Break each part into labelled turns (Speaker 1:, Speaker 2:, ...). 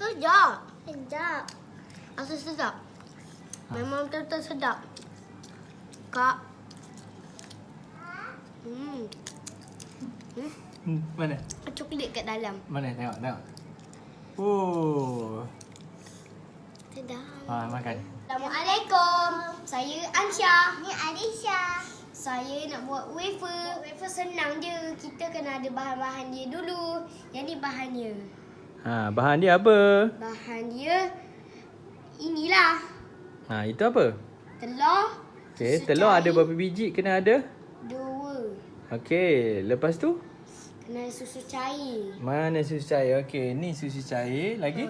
Speaker 1: Sedap.
Speaker 2: Sedap.
Speaker 1: Rasa sedap. Memang betul-betul sedap. Kak.
Speaker 3: Mana?
Speaker 1: Coklat kat dalam.
Speaker 3: Mana? Tengok. Oh.
Speaker 1: Sedap.
Speaker 3: Makan.
Speaker 1: Assalamualaikum. Saya Ansha.
Speaker 2: Ni Alisha.
Speaker 1: Saya nak buat wafer. Wafer senang je. Kita kena ada bahan-bahan dia dulu. Yang ni bahannya.
Speaker 3: Bahan dia apa?
Speaker 1: Bahan dia inilah.
Speaker 3: Itu apa?
Speaker 1: Telur.
Speaker 3: Okey,
Speaker 1: susu
Speaker 3: telur
Speaker 1: cair,
Speaker 3: ada berapa biji kena ada?
Speaker 1: 2.
Speaker 3: Okey, lepas tu?
Speaker 1: Kena susu cair.
Speaker 3: Mana susu cair? Okey, ni susu cair. Lagi?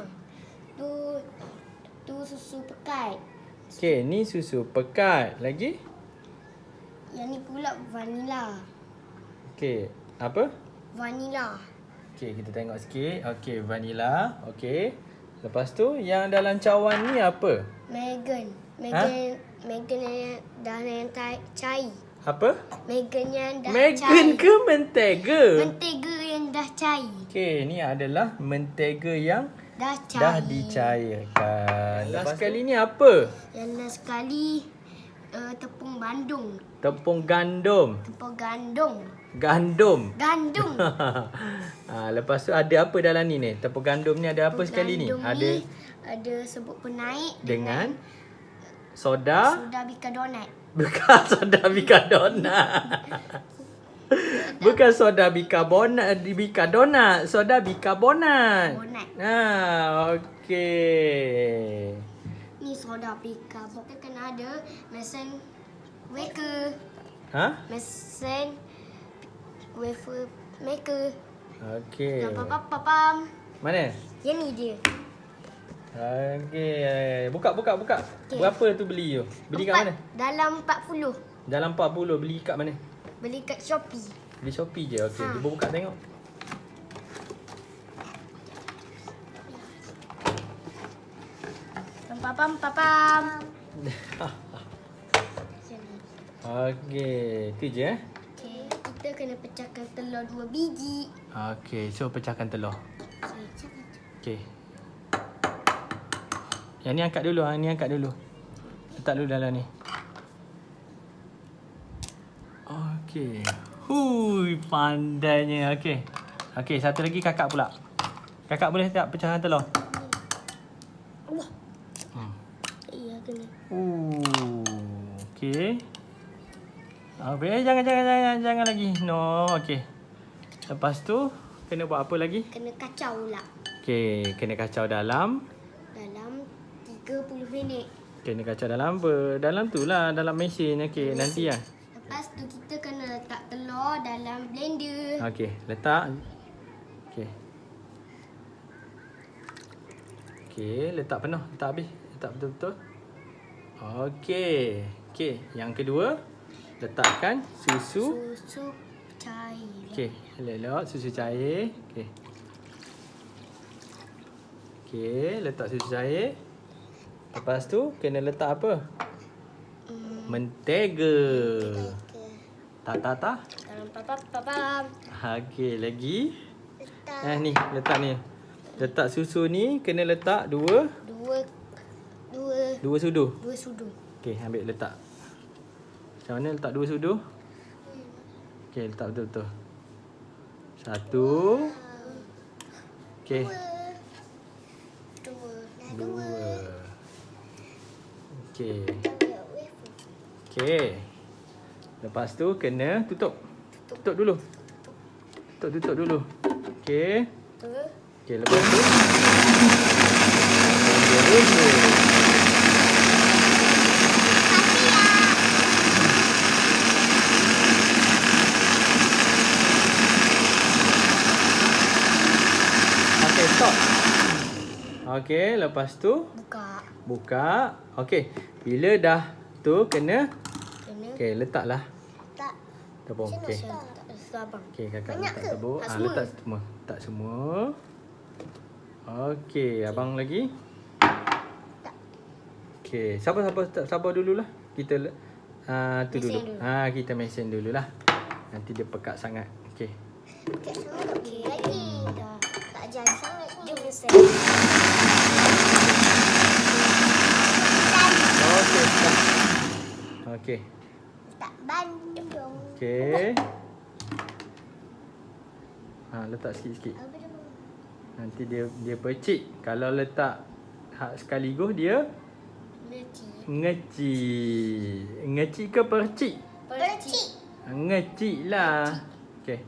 Speaker 1: Tu susu pekat.
Speaker 3: Okey, ni susu pekat. Lagi?
Speaker 1: Yang ni pula vanila.
Speaker 3: Okey, apa?
Speaker 1: Vanila.
Speaker 3: Okey, kita tengok sikit. Okey, vanila. Okey. Lepas tu, yang dalam cawan ni apa?
Speaker 1: Megan yang dah cair.
Speaker 3: Apa?
Speaker 1: Megan yang dah
Speaker 3: Megan
Speaker 1: cair.
Speaker 3: ke mentega?
Speaker 1: Mentega yang dah cair.
Speaker 3: Okey, ni adalah mentega yang
Speaker 1: Dah cair.
Speaker 3: dah dicairkan. Lepas kali ni apa?
Speaker 1: Yang last sekali tepung bandung.
Speaker 3: Tepung gandum.
Speaker 1: Tepung gandum.
Speaker 3: Gandum.
Speaker 1: Gandum.
Speaker 3: Lepas tu ada apa dalam ni ni? Tepung gandum ni ada apa sekali ni?
Speaker 1: Gandum ni ada serbuk penaik
Speaker 3: Dengan soda.
Speaker 1: soda bicarbonate.
Speaker 3: Bukan soda bicarbonate. Bukan soda bicarbonate, soda bicarbonate. Okey.
Speaker 1: Ni soda bicarbonate. Kita kena ada mesin wafer. Mesin wafer maker.
Speaker 3: Okey.
Speaker 1: Pam.
Speaker 3: Mana?
Speaker 1: Yang ni dia.
Speaker 3: Okey. Buka.
Speaker 1: Okey.
Speaker 3: Berapa tu beli tu? Beli kat mana?
Speaker 1: Dalam 40.
Speaker 3: Dalam 40 beli kat mana?
Speaker 1: Beli kat Shopee.
Speaker 3: Beli Shopee je. Okey, cuba buka tengok.
Speaker 1: Pam.
Speaker 3: Okey, tu je
Speaker 1: Okey, kita kena pecahkan telur 2 biji.
Speaker 3: Okey, so pecahkan telur. Okey. Yang ni angkat dulu, letak dulu dalam ni. Okey. Hui, pandainya. Okey, satu lagi kakak pula. Kakak boleh tak pecahkan telur?
Speaker 1: Allah. Iya kena.
Speaker 3: Okey. Jangan lagi. No, okey. Lepas tu kena buat apa lagi?
Speaker 1: Kena kacau lah.
Speaker 3: Okey, kena kacau dalam
Speaker 1: 30 minit.
Speaker 3: kena kacau dalam apa? Dalam tu lah, dalam mesin. Okey, nanti lah.
Speaker 1: Lepas tu kita kena letak telur dalam blender.
Speaker 3: Okey, letak. Okey, letak penuh, letak habis. Letak betul-betul. Okey, yang kedua letakkan susu
Speaker 1: Cair.
Speaker 3: Okey, elok susu cair. Okey, letak susu cair. Lepas tu kena letak apa? Mentega. Tak.
Speaker 1: Dalam pam.
Speaker 3: Okey, lagi. Ni, letak ni. Letak susu ni kena letak dua sudu.
Speaker 1: 2 sudu.
Speaker 3: Okey, ambil letak. Macam mana letak 2 sudu? Okey, letak betul-betul. 1. Okey. 2. Okey. Lepas tu kena tutup. Tutup dulu. Okey. Okey, lepas tu Okey, stop. Okey, lepas tu buka. Okey, bila dah tu kena okey, letaklah.
Speaker 1: Tak.
Speaker 3: Tepung. Okey.
Speaker 1: Abang.
Speaker 3: Okey, kakak
Speaker 1: Banyak
Speaker 3: letak
Speaker 1: ke?
Speaker 3: tepung.
Speaker 1: Tak semua?
Speaker 3: Letak semua. Tak semua. Okey, abang lagi. Okey, sabar dululah. Kita tu
Speaker 1: Mesin
Speaker 3: dulu.
Speaker 1: dulu.
Speaker 3: Kita mesin dululah. Nanti dia pekat sangat. Okey.
Speaker 1: Okey lagi. Tak jadi sangat Jom Mister.
Speaker 3: Okey, dah. Okey.
Speaker 1: Tak Bandung.
Speaker 3: Okey. Letak sikit-sikit.
Speaker 1: Apa dia?
Speaker 3: Nanti dia percik. Kalau letak sekaligus dia ngecik. Ngecik ke percik?
Speaker 1: Percik.
Speaker 3: Ngecik lah. Okey.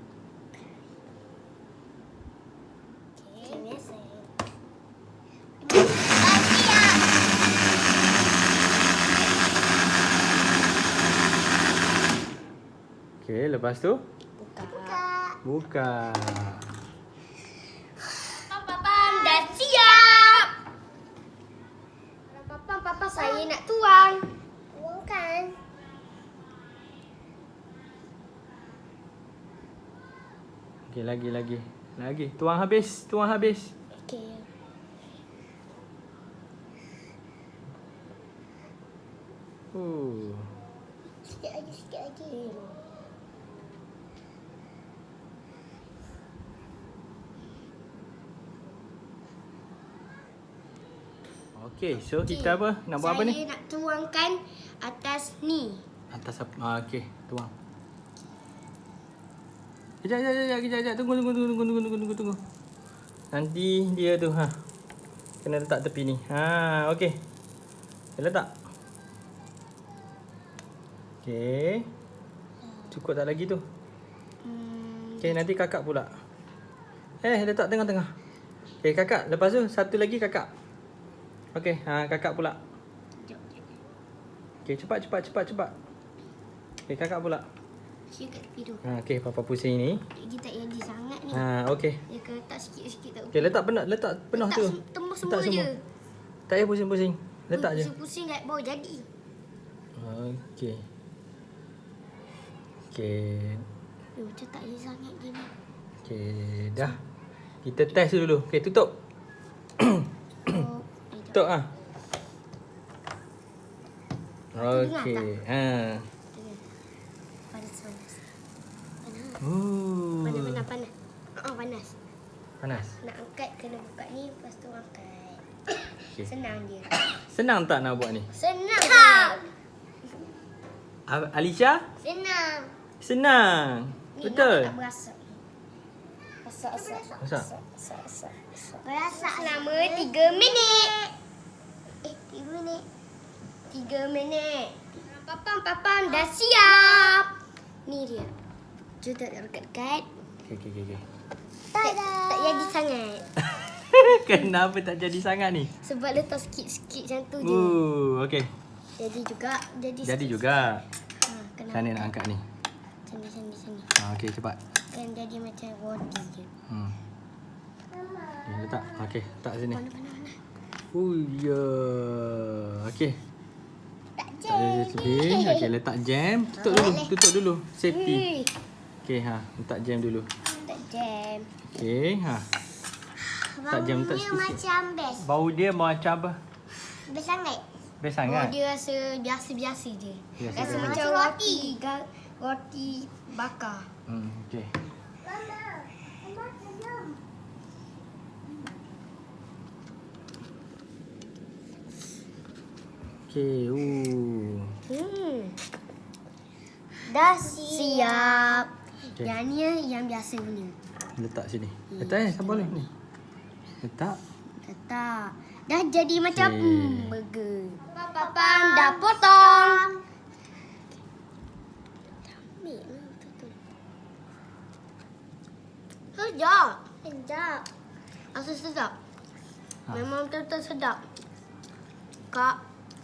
Speaker 1: Okey, biasa.
Speaker 3: Okey, lepas tu
Speaker 1: Buka.
Speaker 3: buka.
Speaker 1: Papam dah siap. Papa saya nak tuang. Tuangkan.
Speaker 3: Okey, lagi. Tuang habis.
Speaker 1: Okey. Sikit lagi.
Speaker 3: Okey, so kita apa? Nak buat apa ni?
Speaker 1: Saya nak tuangkan atas ni.
Speaker 3: Atas apa? Okey, tuang. Kejap. Tunggu. Nanti dia tu kena letak tepi ni. Okey. Dah letak. Okey. Cukup tak lagi tu? Okey, nanti kakak pula. Letak tengah-tengah. Okey, kakak. Lepas tu satu lagi kakak. Okey, kakak pula. Okey, cepat. Okey, kakak pula.
Speaker 1: Saya kat tepi tu.
Speaker 3: Okey, papa pusing ni.
Speaker 1: Dia tak jadi sangat ni.
Speaker 3: Okey.
Speaker 1: Dia kena letak sikit-sikit tak
Speaker 3: Okey, letak penuh tu.
Speaker 1: Tembus
Speaker 3: Letak
Speaker 1: semua je.
Speaker 3: Tak payah pusing-pusing. Letak je.
Speaker 1: Pusing kat bawah jadi.
Speaker 3: Okey.
Speaker 1: Macam tak jadi sangat gini.
Speaker 3: Okey, dah. Kita test dulu. Okey, tutup. Tutup Okey.
Speaker 1: Panas. Panas. Panas.
Speaker 3: Panas.
Speaker 1: Nak angkat kena buka ni, lepas tu angkat.
Speaker 3: Okey.
Speaker 1: Senang je.
Speaker 3: Senang tak nak buat ni?
Speaker 1: Senang.
Speaker 3: Alisha? Senang.
Speaker 1: Ni
Speaker 3: Betul.
Speaker 1: Tak berasa.
Speaker 3: Masak.
Speaker 1: Berasa selama 3 minit. 3 minit. Papam dah siap. Ni dia. Jom tak dekat-dekat.
Speaker 3: Okey.
Speaker 1: Tak jadi sangat.
Speaker 3: Kenapa tak jadi sangat ni?
Speaker 1: Sebab letak sikit-sikit macam tu je.
Speaker 3: Okey.
Speaker 1: Jadi juga.
Speaker 3: Jadi juga.
Speaker 1: Kena
Speaker 3: Sana nak angkat ni.
Speaker 1: Sini.
Speaker 3: Okey, cepat.
Speaker 1: Kan jadi macam roti je.
Speaker 3: Okay, letak. Okey, letak sini.
Speaker 1: Panas.
Speaker 3: Ya. Okey.
Speaker 1: Tak
Speaker 3: Tak ada tepi. Okey, letak jam. Tutup dulu. Safety. Okey, letak jam dulu.
Speaker 1: Tak jam.
Speaker 3: Okey, letak jam letak sikit.
Speaker 1: Macam best.
Speaker 3: Bau dia macam apa?
Speaker 1: Best sangat.
Speaker 3: Best sangat.
Speaker 1: Dia rasa biasa-biasa je.
Speaker 3: Biasa
Speaker 1: Rasa
Speaker 3: je.
Speaker 1: macam roti bakar.
Speaker 3: Okey. Okey.
Speaker 1: Dah siap.
Speaker 3: Okay.
Speaker 1: Yang ni yang biasa punya.
Speaker 3: Letak sini. Letak tak boleh ni. Letak.
Speaker 1: Dah jadi macam
Speaker 3: Okay.
Speaker 1: burger. Papam dah potong. Sedap. Asal sedap. Memang betul-betul sedap. Kak.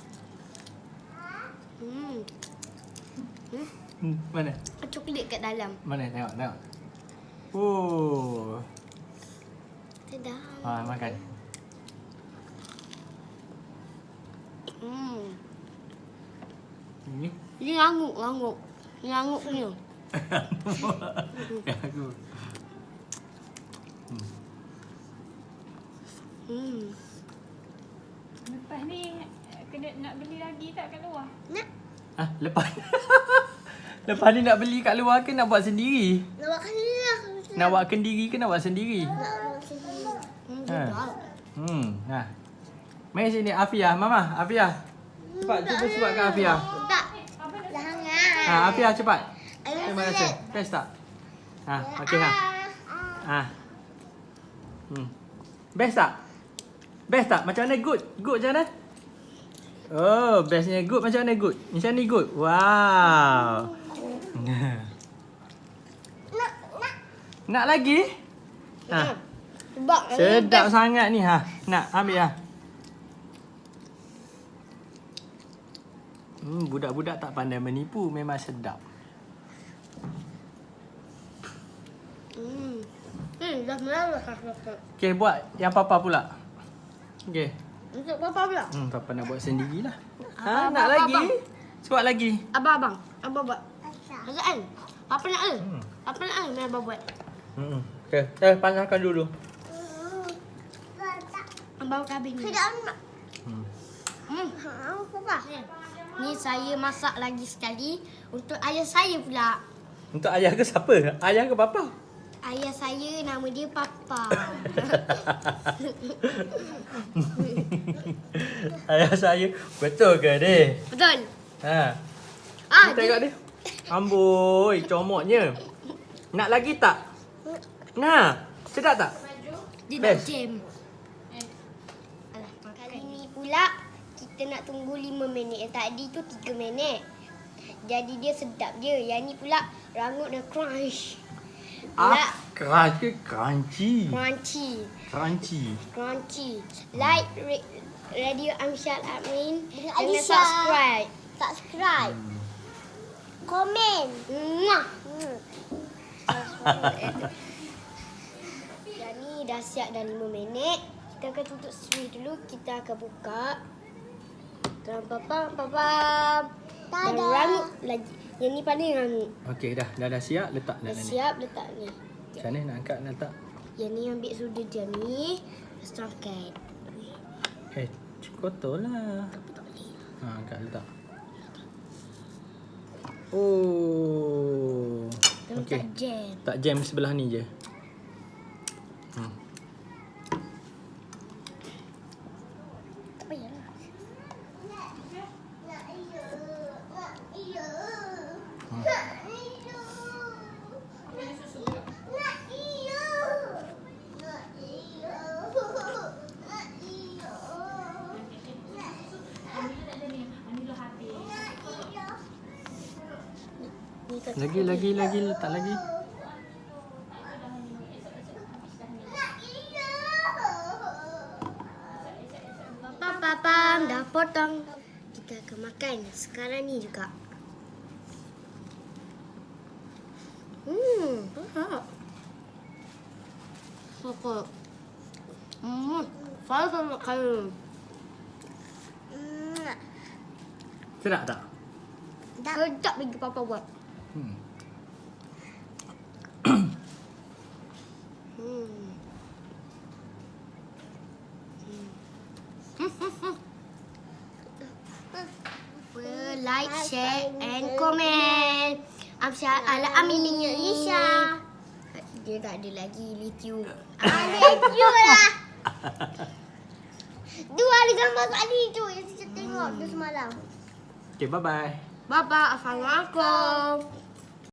Speaker 3: Mana?
Speaker 1: Coklat kat dalam.
Speaker 3: Mana? Tengok.
Speaker 1: Sedap.
Speaker 3: Makan. Ini?
Speaker 1: Ini rangup. Ini rangup punya.
Speaker 3: Aku.
Speaker 2: Lepas ni kena nak beli lagi tak kat luar?
Speaker 1: Nak.
Speaker 3: Lepas lepas ni nak beli kat luar ke nak buat sendiri?
Speaker 1: Nak buat sendiri lah.
Speaker 3: Nak buat kendiri ke nak buat sendiri?
Speaker 1: Nak buat sendiri. Sedap.
Speaker 3: Nah. Mari sini Afia, Mama, Afia. Cepat cuba buatkan Afia.
Speaker 1: Tak. Dah hangat.
Speaker 3: Afia cepat. Terima kasih. Best tak? Okey Best tak? Best tak? Macam mana good? Good macam mana? Oh, bestnya good macam mana good? Macam ni good. Wow. Nak lagi?
Speaker 1: Sebab
Speaker 3: Sedap sangat ni Nak ambil budak-budak tak pandai menipu, memang sedap.
Speaker 1: Dah melalah.
Speaker 3: Okey, buat yang papa pula. Okey.
Speaker 1: Untuk papa pula.
Speaker 3: Papa nak buat sendirilah.
Speaker 1: Abang,
Speaker 3: Nak
Speaker 1: abang,
Speaker 3: lagi?
Speaker 1: abang.
Speaker 3: Buat lagi.
Speaker 1: Abang buat. Azan. Papa nak ke?
Speaker 3: Hmm.
Speaker 1: Papa nak ke? Abang buat.
Speaker 3: Okey, panaskan dulu.
Speaker 1: Abang kabin ni. Tidak nak. Ni saya masak lagi sekali untuk ayah saya pula.
Speaker 3: Untuk ayah ke siapa? Ayah ke papa?
Speaker 1: Ayah saya nama dia Papa.
Speaker 3: Ayah saya. Betul ke ni?
Speaker 1: Betul.
Speaker 3: Ni tengok dia. Amboi, comotnya. Nak lagi tak? Nah, sedap tak?
Speaker 1: Dia
Speaker 3: Best.
Speaker 1: nak jam. Alah, kali ni pula kita nak tunggu 5 minit. Yang tadi tu 3 minit. Jadi dia sedap je. Yang ni pula rangut dan crunch.
Speaker 3: Crunch ke crunchy?
Speaker 1: Crunchy. Like Radio Amsyad Admin. Jangan subscribe. Komen. Yang ni dah siap dah 5 minit. Kita akan tutup sini dulu. Kita akan buka. Papa. Dan rangut lagi. Yang ni paling rangut.
Speaker 3: Okey, dah siap, letak
Speaker 1: Dah
Speaker 3: ni.
Speaker 1: siap letak ni.
Speaker 3: Macam mana nak angkat, nak letak?
Speaker 1: Yang ni ambil sudu dia ni. Lepas tu angkat.
Speaker 3: Kotor lah. Angkat, letak. Oh.
Speaker 1: Okey. Jam.
Speaker 3: Tak jam sebelah ni je.
Speaker 1: Tak payahlah.
Speaker 3: Lagi, letak lagi.
Speaker 1: Papa, dah potong. Kita akan makan sekarang ni juga. Sokok. Saya sama makan.
Speaker 3: Sedap tak?
Speaker 1: Sedap bagi papa buat. Like, share and comment. Amsyad ala aminnya Isha. Dia tak ada lagi lithium. Lithium lah. Dua ada gambar tadi tu yang saya tengok tu semalam.
Speaker 3: Okay, bye-bye.
Speaker 1: Bye-bye. Assalamualaikum.